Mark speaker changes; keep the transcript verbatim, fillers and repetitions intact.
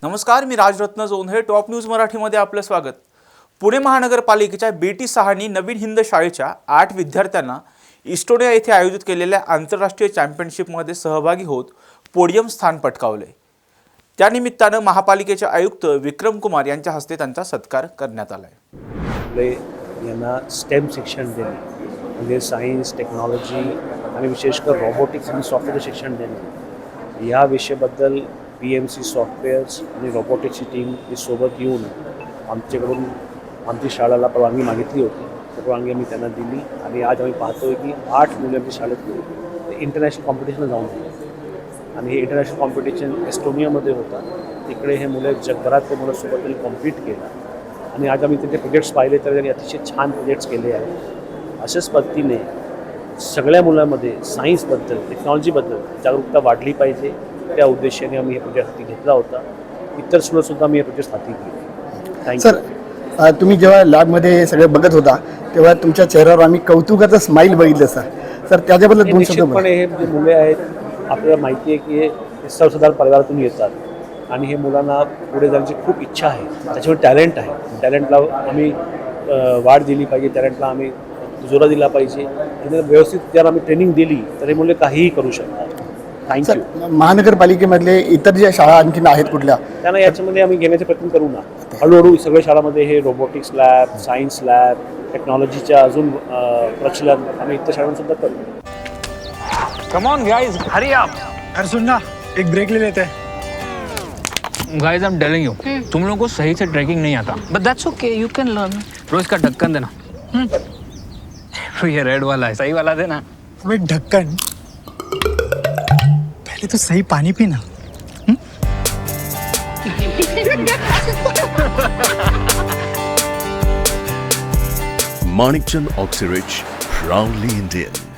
Speaker 1: नमस्कार, मी Rajratna Jondhale. Top news मराठीमध्ये आपलं स्वागत. पुणे महानगरपालिकेच्या बी टी सहानी नवीन हिंद शाळेच्या आठ विद्यार्थ्यांना इस्टोनिया येथे आयोजित केलेल्या आंतरराष्ट्रीय चॅम्पियनशिपमध्ये सहभागी होत पोडियम स्थान पटकावले. त्यानिमित्तानं महापालिकेचे आयुक्त विक्रम कुमार यांच्या हस्ते त्यांचा सत्कार करण्यात आला आहे.
Speaker 2: यांना स्टेम शिक्षण देणे म्हणजे सायन्स, टेक्नॉलॉजी आणि विशेषकर रोबोटिक्स आणि सॉफ्टवेअर शिक्षण देणे या विषयाबद्दल पी एम सी सॉफ्टवेअर्स आणि रोबोटिक्सची टीम ही सोबत येऊन आमच्याकडून आमची शाळेला परवानगी मागितली होती. परवानगी आम्ही त्यांना दिली आणि आज आम्ही पाहतो आहे की आठ मुलं आमच्या शाळेत इंटरनॅशनल कॉम्पिटिशनला जाऊन गेले आणि हे इंटरनॅशनल कॉम्पिटिशन एस्टोनियामध्ये होतं. तिकडे हे मुलं जगभरातले मुलं सोबत त्यांनी कॉम्पीट केलं आणि आज आम्ही त्यांचे प्रोजेक्ट्स पाहिले तर त्यांनी अतिशय छान प्रोजेक्ट्स केले आहेत. अशाच पद्धतीने सगळ्या मुलांमध्ये सायन्सबद्दल, टेक्नॉलॉजीबद्दल जागरूकता वाढली पाहिजे. त्या उद्देशाने आम्ही हे प्रोजेक्ट हाती घेतला होता. इतर स्कूलसुद्धा मी हे प्रोजेक्ट हाती घेतले. Thank you
Speaker 3: sir. तुम्ही जेव्हा लॅबमध्ये हे सगळं बघत होता तेव्हा तुमच्या चेहऱ्यावर आम्ही कौतुकाचं स्माईल बघितलं सर. सर त्याच्याबद्दल दोन शब्द.
Speaker 2: निश्चितपणे हे जे मुले आहेत आपल्याला माहिती आहे की हे सर्वसाधारण परिवारातून येतात आणि हे मुलांना पुढे जाण्याची खूप इच्छा आहे. त्याच्यावर टॅलेंट आहे. टॅलेंटला आम्ही वाढ दिली पाहिजे. टॅलेंटला आम्ही जोरा दिला पाहिजे. आणि व्यवस्थित जर आम्ही ट्रेनिंग दिली तर हे मुले काहीही करू शकतात. थँक्यू.
Speaker 3: महानगरपालिकेमधले इतर ज्या शाळा आणखीन आहेत कुठल्या
Speaker 2: त्यांना याच्यामध्ये आम्ही घेण्याचे प्रयत्न करू ना. हळूहळू सगळ्या शाळांमध्ये हे रोबोटिक्स लॅब, सायन्स लॅब, टेक्नॉलॉजीच्या अजून प्रचलन आम्ही इतर शाळांसुद्धा करू.
Speaker 4: कम ऑन गाइस, हरी आप.
Speaker 5: अरे सुन ना, एक ब्रेक ले लेते हैं.
Speaker 4: Guys, I am telling you, तुम लोगों को सही से ट्रैकिंग नहीं आता. But that's okay, you can learn. रोज का ढक्कन देना. तो ये रेड वाला है, सही वाला देना.
Speaker 5: अबे ढक्कन, पहले तो सही पानी पीना.
Speaker 6: Manikchand Oxyrich, proudly Indian.